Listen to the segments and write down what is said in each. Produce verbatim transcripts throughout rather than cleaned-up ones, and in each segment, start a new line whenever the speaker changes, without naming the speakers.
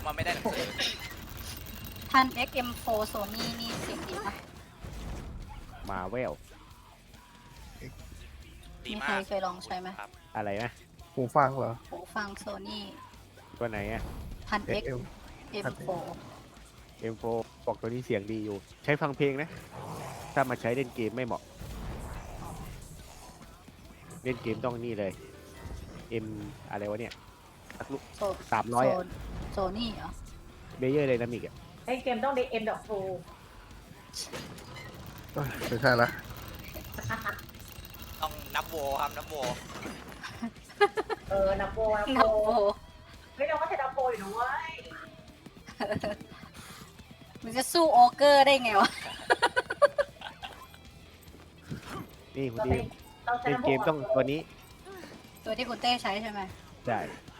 ผมมันไม่ได้หนังสือ
ท่าน เอ็กซ์ เอ็ม โฟร์ Sony นี่เสียงดีปะ
มาเวล
ดี
มี
มา
ใคร
ก
เคยลองใช้ไหม
ครับ
อะไรนะ
หูฟังเหรอ
หูฟัง Sony
ตัวไหนอะ
ท่าน
เอ็
X
กเอล
เอ็ม โฟร์
เอ็มโฟบอกตัวนี้เสียงดีอยู่ ใช้ฟังเพลงนะ ถ้ามาใช้เล่นเกมไม่เหมาะ เล่นเกมต้องนี่เลย M อะไรวะเนี่ยสักลูก
โซ
สามร้อยอะ
โซนี่เหรอ
เบเยอร์ไดนามิกอะ
ไอ้เกมต้องได้เอ็มดอกฟู
เอ้ยไม่ใช่ละ
ต้องนับโวครับนับโว
เออนับโบนับ
นับ
โบ
โบ
เฮ้ยเราก็ใช้นับโบอยู่นะเว้ย
มันจะสู้โอเกอร์ได้ไงวะ
นี่คุณ
เรา
ดี
ใช้เราใช้
เล่น
นับโบ
เกมต้องตัวนี้
ตัวที่คุณเต้ใช้ใช่ไหม
ได้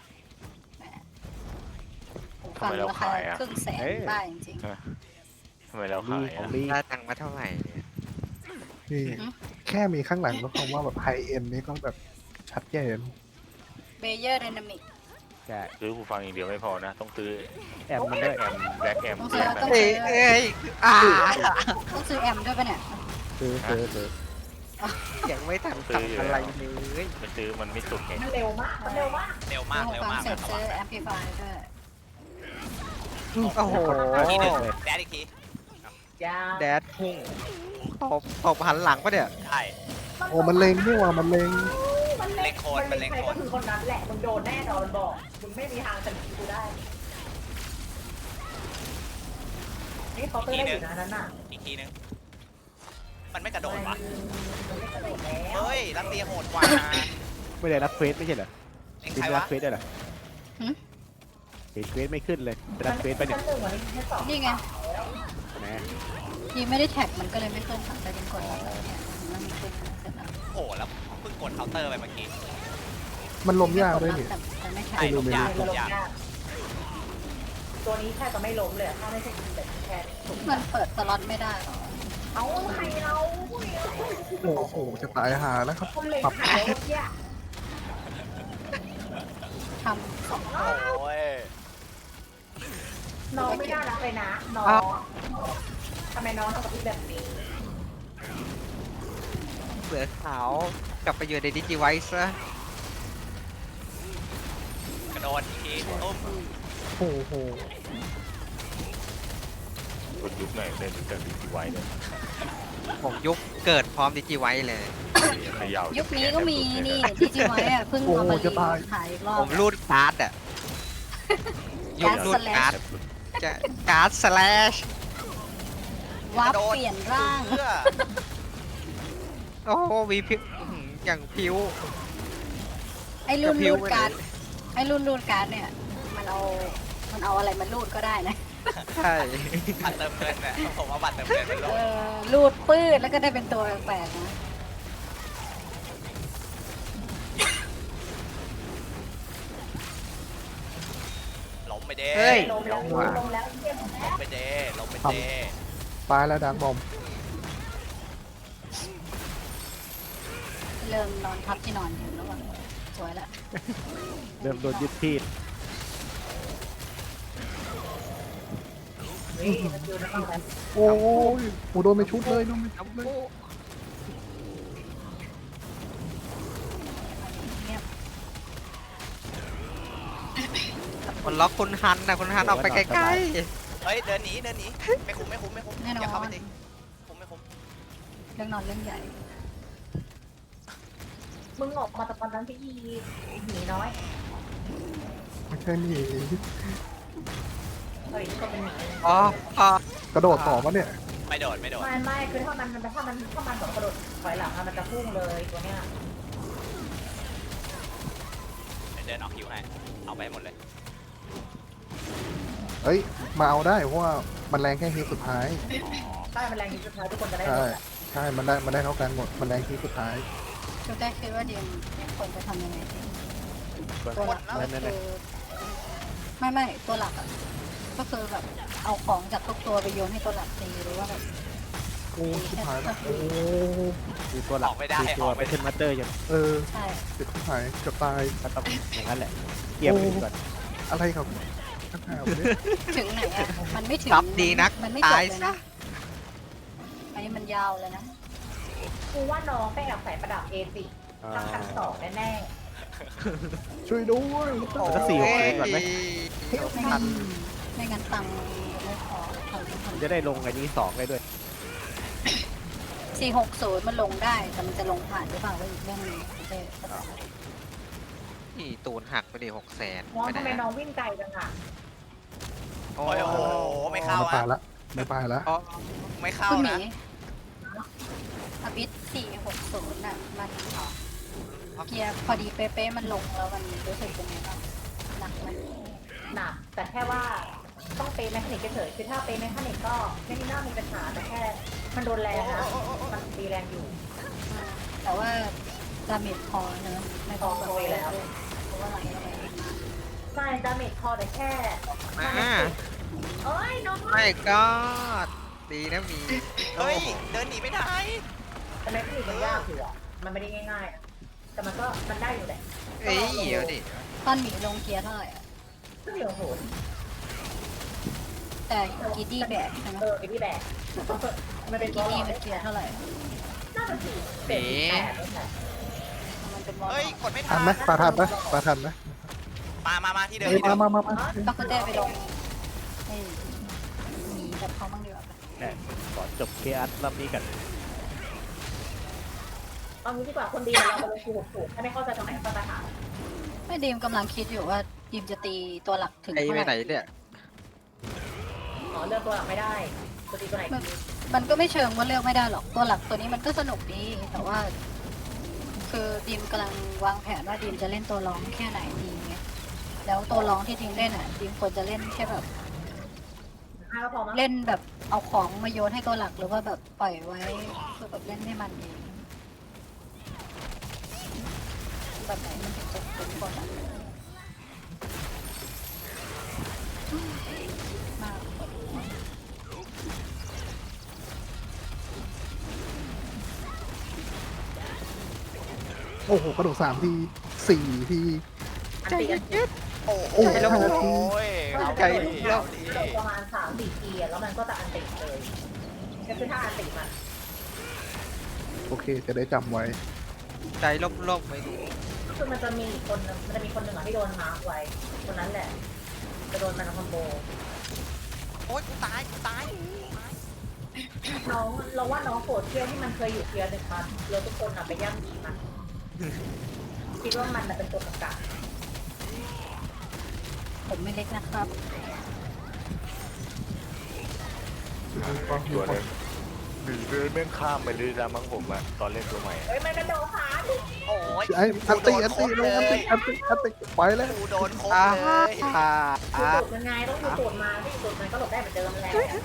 หูฟังราคาครึ่งแสน
เอ้ย
บ้าจริง
ทำไมเรา
มี
ขาย
ของ
อ่ะ
ดี
ได้ตังค์มาเท่าไหร่เนี่ย
นี่แค่มีข้างหลังก็คงว่าแบบไฮเอ็นนี่ก็แบบชัดเจน
เบเยอร์ไดนามิก
ใช่
ซื้อหูฟังอย่างเดียวไม่พอนะ ต้องซื้อ
แอมมันด้วย
แอมแบล็กแอม
ต้อง
แบ
ซื้อ
ล็ก
ต้อง
เอ้
ซื้
ย
อ
เอ้ยอ่า
ต้องซื้อแอมด้วยปะเนี่ย
ซื้อซื้อซื้อ
ยังไม่ทันทำอะไรเลย
ไม่ซื้อมันไม่สุดไง
มันเร็วมากมันเร็วมาก
เร็วมาก
หู
เร็ว
ฟัง
มาก
เสร็จ
นะ
ซื้อแอมพลิฟายด้วย
โอ้โห
อีกทีหนึงแดดอีกที
จ้า
แดดพุ่งตบตบหันหลังปะเนี่ย
ใช่
โอ้มันเลงนี่ว่ามันเลง
มัน
เล็งโคนมันเล็ง
ใคร
โค
ก็
น
คือคนนั้นแหละมึงโดนแน่นอนมันบอกมึงไม่มีทางชนะกูได้นี่เขาน์เตอร์ได้อยู่นะนั้นน่ะ
อีกทีหนึงมันไม่กระโดดวะ
มันไม่กระโดดแล้ว
เฮ้ยรัสเซียโหดกว่า
ไม่ได้รับเควสไม่ใช่เหรอ
เอ็ง
ติ
ใค
ด
ร
รั
วะ
บเควสได้เหรอเห็นเควสไม่ขึ้นเลยรับเควสไปะเนี่ย
ชั้นหนึ่งวันนี้ชั้นสอง
นี่ไง
นะ
ยีไม่ได้แท็กมันก็เลยไม่ขึ้นค่ะแต่เป็นกดแล้วเนี่ยมันมีขึ้นเสร็จแล้ว
โอ้โหแล้วเพิ่งกดเคาน์เตอร์ไปเมื่อกี้
มันลมยากด้วยนี่
แต่แต่ไม่แท็ก
ใช่ลงยาก
ไม่
ล
ล
ง
ง
ยาก
ยากตัวนี้แค่จะไม่ล้มเลยอะถ้าไม่ใช่แต่แค่ถูก
มันเปิดสล็อตไม่ได้หรอ
เอาใครเรา
โอ้โหจะตายหาแล้วครับ
คนเล็ง
ปรับ
ขายแล้วเนี่ย
ทำสอง
โอ้ย
น้องไม่น่ารักเลยนะน้องทำไมน้องทำกับพี่แบบนี้
เสือขาวกลับไปอยู่ในดิจิไวซ์ซะ
กระโดดอีกทีตุ้ม
โอ้โห
คนยุคไหนเล่นจากดีทีไว้เนี่ย
ผมยุคเกิดพร้อมดิจิไวซ์เลย
เขย่า
ยุคนี้ก็มีนี่ที่จีไว้อะเพิ่งเอามารีขายอีกรอ
ผ
บ
มรูดการ์ดอะยุครูดการ์ดจะการ์ดสแลช
วับเปลี่ยนร่าง
เพื่อ
โอ้โหมีพิวอื้อหืออย่างพิว
ไอ้รุ่น
กระพริ้
รู
ว
ดการ์ดไอ้รุ่นรูดการ์ดเนี่ย มันเอา มันเอาอะไรมารูดก็ได้นะ
ใช่
บัตรเติมเงินเนี่ยผมว่าบัตรเติมเงินเป็นโล
เออรูดปื้ดแล้วก็ได้เป็นตัวแปลกๆนะ
ล้มไปเด้
เฮ้ย
ลงแล้วลงแล้วเยี่ยมแล้
ล้
ว
มไปเด้ล้มไปเด้
ตายแล้วดังบอม
เริ่มนอนทับที่นอนอยู่แล้วว่ะสวยละ
เริ่มโดนยึดที่
นี่มันอยู่ในห้องนั้น
โอ้ยโอ้โดนไปชุดเลยโดนไปชุดเลย
เงียบ
คนล็อกคุณฮันนะคุณฮันออกไปไกล
เฮ้ยเดินหนีเดินหนีไม่คุ้มไม่คุ้มไม่คุ้ม
แน่น
อย่า
อ
เข้าไป
น
ดิคุ้มไม่คุ้ม
เรื่องนอนเรื่องใหญ่
มึงออกมาตะกอนนั้นพี่ยีหนีน้อย
ไม่ใช่หนี
เฮ้ยนี่ก็เป็นหนี
ๆอ๋ออ๋อก
ระโดดต่อปะเนี่ย
ไม่โดดไม่โดด
ไม่ไม่คือถ้ามันมันถ้ามันถ้ามันแบบกระโดดถอยหลังอะมันจะพุ่งเลยตัวเนี้ย
เดินออกคิวให้เอาไปหมดเลย
เอ้ยมาเอาได้เพราะว่ามันแรงแค่ฮีทสุดท้าย
ใช่มันแรงที่สุดท้ายทุกคนจะได้
ใช่
หมดอะ
ใช่มันได้มันได้เท่ากันหมดมันแรงฮีทสุดท้าย
ชุดแรกคิดว่าเดียมควรจะทำยังไงดี
ก็
ตัวหลักก็
นั่น
คื
นั่น
อไม่ไม่ตัวหลักอะก็คือแบบเอาของจากทุกตัวไปโยนให้ตัวหลักตีหรือว่าแบบ
โอ้ชิบหายแล้วโอ้
คือตัวหลักคือตัวไปขึ้นมาสเตอร์ยัง
เออ
ใช่
เจ็บชิบหายเกือบตาย
ก็ต้องอย่างนั้นแหละเกี่ยมไปก่อน
อะไรครับข้างหน้าผมเนี่ย
ถึงไหนอ่ะมันไม่ถึง
ซับดีนัก
มันไม่จบ
ตาย
เลย
ซะ
นะอันนี้มันยาวเลยนะ
กูว่าน้องไปแอบใส่ประดับเอซิ
อ่า
ตั้งพันสองแน่
ช่วยด้วย
แล้วก็สี่หกเลยก่อนไหม
ไม่งั้นไม่งั้นตังค์ไม่พอทำไม่ทัน
จะได้ลงอันนี้สองได้ด้วย
สี่หกศูนย์มันลงได้แต่มันจะลงผ่านหรือเปล่าก็อีกเรื่องหนึงไม่ใช่
นี่ตูนหักไปดิหกแสน
ๆน้องทำไมน้องวิ่งไกลจังอ่ะ
โอ้
โอ้โหไม่เข้า
ไม่ไป
อ่ะ
ละไม่ไปละ
อ๋อ
ไม่เข้า
คุณห
นะ
มีอบิสสี่หกศูนย์น่ะมันเกียร์พอดีเป๊ะๆมันลงแล้วมันรู้สึกเป็นไงบ้างหนักไหม
หนักแต่แค่ว่าต้องเปย์แมคานิกเฉยๆคือถ้าเปย์แมคานิกก็ไม่ได้น่ามีปัญหาแต่แค่มันโดนแรงนะมันตีแรงอยู่
อ่าแต่ว่าดาเมจพอเนอะไม่พอแบบ
พอแล้ว
เพราะว่าไหลอะไรมา
ใช่ดาเมจพอแต่แค่
มา
เอ้ยน้อง
ไม่ก็ดีนะมี
เฮ้ยเดินหนีไม่ได้
แต่แมคานิกมันยากอยู่อ่ะมันไม่ได้ง่ายๆอะแต่มันก็มันได้อยู่แหละ
เอ้ยเดี๋ยวดิ
ตอนหมีลงเกียร์เท่าไหร่อะ
ก็เหลือโหด
แต่กีดี้แบกใช่ไหม
เออไอ้ที่แบกมันเป็น
กีดี้มันเกียร์เท่าไหร่
น่าจะสี่เจ็ดแปดแล้วแหละ
มันเป็นบอล
เฮ้ยกดไม่
ทั
ทั
น
น
ไหมปลาทันไหมปลาทันไหม
มามามาที่เดิม
เฮ้ย
ที่เดิ
มาม มามามา
ก็คือเต้ไปลงไอ้หมีกับเขาบ้างดีกว่าปะ
แต่ก่อนจบเคอัสรอบนี้กัน
เอางี้ดีกว่าคนดีเราไปลงคูหกสูตรถ้าไม่เข้าใจตรงไหนก็จะถาม
ไม่ดีมกำลังคิดอยู่ว่าดีมจะตีตัวหลักถึง
ไอ้
เท่า
ไป
ไห
ไหน
ร่
เนี่ย
อ๋อเลือกตัวหลักไม่ได้ตัวดีตัวไหนดี
มันก็ไม่เชิงว่าเลือกไม่ได้หรอกตัวหลักตัวนี้มันก็สนุกดีแต่ว่า คือดีมกำลังวางแผนว่าดีมจะเล่นตัวร้องแค่ไหนดีไงแล้วตัวร้องที่ดีมเล่นอ่ะดีมควรจะเล่นแค่แบบ
ห้าก็พอมั้ง
เล่นแบบเอาของมาโยนให้ตัวหลักหรือว่าแบบปล่อยไว้คือแบบเล่นให้มันเองแบบไหนมันถึงจะเป็นตัวหลักมากกว่านี้
โอ้โหกระโดดสามทีสี่ที
อันตีกัน
โอ้
โอ้
โห
ยแล้ว
โอ้ยเอา
ไก่
ดิ
เรา
เอาดิ
ประมาณสามสี่ทีอะแล้วมันก็จะอันติเลยก็คือถ้าอันติมัน
โอเคจะได้จำไว้
ใจล่มๆไปดิ
คือมันจะมีอีกคนนึงมันจะมีคนหนึ่งอะที่โดนมาร์คไว้คนนั้นแหละจะโดนมันคอมโบ
โอ้ยกูตายกูตาย
น้องเราว่าน้องโกรธเที่ยวที่มันเคยอยู่เทียร์หนึ่งมาเราทุกคนอะไปย่ำหนีมันคิดว่ามันน่ะเป็นตัวประกาศ
ผมไม่เล็กนะครับ
ตัวเลยดีเลยแม่งข้ามไปเลยนะมั้งผมอะตอนเล่นตัวใหม่อะ
เฮ้ยมันกระโดดขา
โอ้ย
ไอ้อันตีอันตีลงอันตีอันตีอันตีไปแล้ว
กูโดนครบ
อ่า
เลย
อ่า
คือ
อ่า
ตูดยังไงต้องอยู่ตูดมาที่ตูดมันก็หลบได้เหมือนเดิมแหละ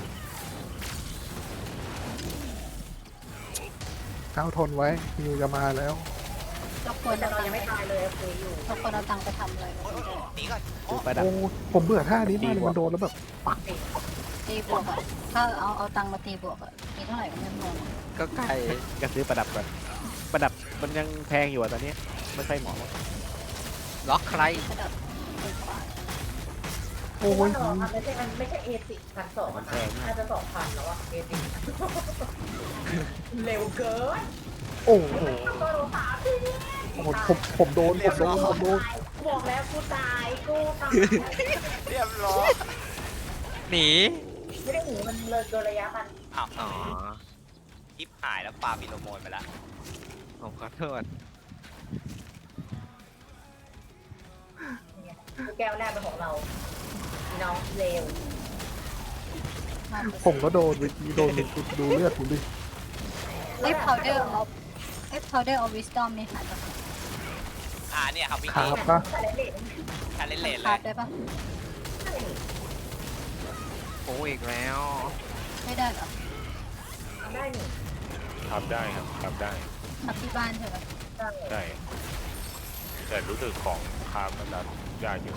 ก้าวทนไว้มิวจะมาแล้ว
เราควร
แต่
จะ
เรายังไม่ตายเลยคุยอยู่
เราควรเอาตังค์ไปทำอะไร
โอ้ยโอ้ยโอ้ยหนีก่อนโอ้
ซื้อประดับ
โอ้ผมเบื่อท่านี้มากเลยมันโดนแล้วแบบปัก
ตีบวกอ่ะถ้าเอาเอาตังค์มาตีบวกอ่ะมีเท่าไหร่ก็ไม่พอ
ก็ไก่
ก็ซื้อประดับก่อนประดับมันยังแพงอยู่อะตอนนี้ไม่ใช่หมอ
ล็อกใคร
ระดับตีกว่า
โอ้
โอ้
ย
ยมันไม่ใช่มันไม่ใช่เอสิพันสองนะน่าจะสองพันแล้วอะเอสิเร็วเกิน
โอ้โห
กระโดดขาพี่
โอ้โหผมผมโดนผมโดนผมโดน
บอกแล้วกูตายกูตาย
เรียบร้อย
หนี
ไม่ได้หนีมันเลยเกินระยะมัน
อ้าว
อ๋อ
คลิปหายแล้วปาบิโลโมนไปแล้ว
ผมขอโทษ
คือแก้วแรกเป็นของเราน้องเร็ว
มาก
ผมก็โดนวิธีโดนดูเลือดผมดิ
ไอ้ powder of ไอ้ powder of wisdom นี่หาจากไหน
อ่าเนี่ยครับวิก
ขา
กี้
บปะ
แต่เล่น
ชาเลนเลนเล
คาบ
ย
ได้ปะ
โอ้อีกแล้ว
ไม่ได้เหรอ
ได้หนิ
ทำได้ครับทำได้
ทำที่บ้านใช่ไหม
ได้
ได้แต่รู้สึกของคามมันจะยากอยู่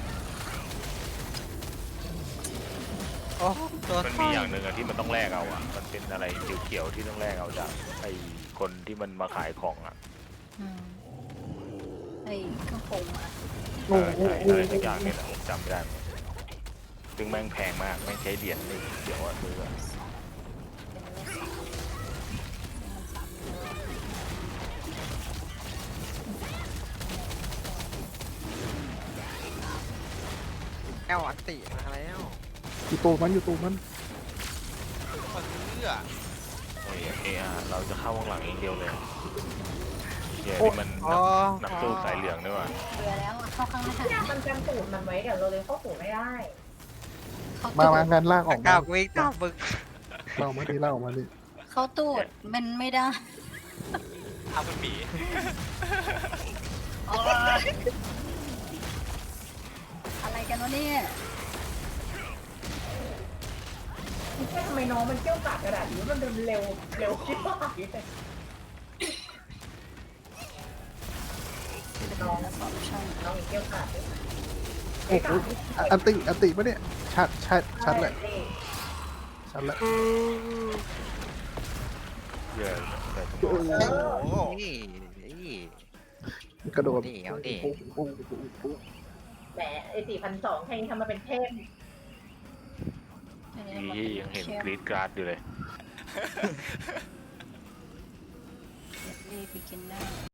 โอ้ตัว
มันมีอย่างหนึ่งอะที่มันต้องแลกเอาอะมันเป็นอะไรเขียวๆที่ต้องแลกเอาจากไอ้คนที่มันมาขายของอะ
อืมไอ้เครื่องปรุงอ่ะ
เออใช่อะไรสักอย่างเนี่ยนะผมจำไม่ได้เหมือนกันซึ่งแม่งแพงมากแม่งใช้เหรียญนี่เดี๋ยวว่าซื้ออะ
เป็นเลขสามมันสามเยอะ
แก้วอัตติมาแล้ว
อยู่ตูมันอยู่ตูมัน
มาซื้ออะ
โอ้ยเอะอะเราจะเข้าวงหลังเองเดียวเลยเดี๋ยวนี่มัน
อ๋อ
นักนักสู้สายเหลืองด้วยว่ะ
เบื่อแล้วอะเข้าข้างหน้า
เนี่ยมันกันตูดมันไว้เดี๋ยวเราเลยเข้าตูดไม่ได้
เขา
มา
ตู
มา
ด
งานลากออก
ก้า
มา
ววิ่งก้าวมึง
เรามาดิเราออกมาดิ
เขาตูดมันไม่ได้
เอาคุณหมี
โอ๊ยอะไรกันวะเนี่ย
แค่ทำไมน้องมันเกี่ยวกาดกระดาษนี้มันเดินเร็วเร็วคิดว่าน้อง
แล้วสองช่อง
น้องอีกเกี่ยวกาดด้วย
โอ้โหอ่ะอันติอันติปะเนี่ยชัดชัดชัดแหละชัดแหละ
เดี๋ยวแต่ทุก
โอ้
คน
โห
นี่นี่
กระโดด
นี่เอาดิ
โอ้โหโอ้โหโอ้โห
แหมไอสี่พันสองให้ทำมาเป็นเทพ
อันนี้
ดี
มัน
ที่ยังเห็นกรีดกราดอยู่เลย
รีบไปกินได้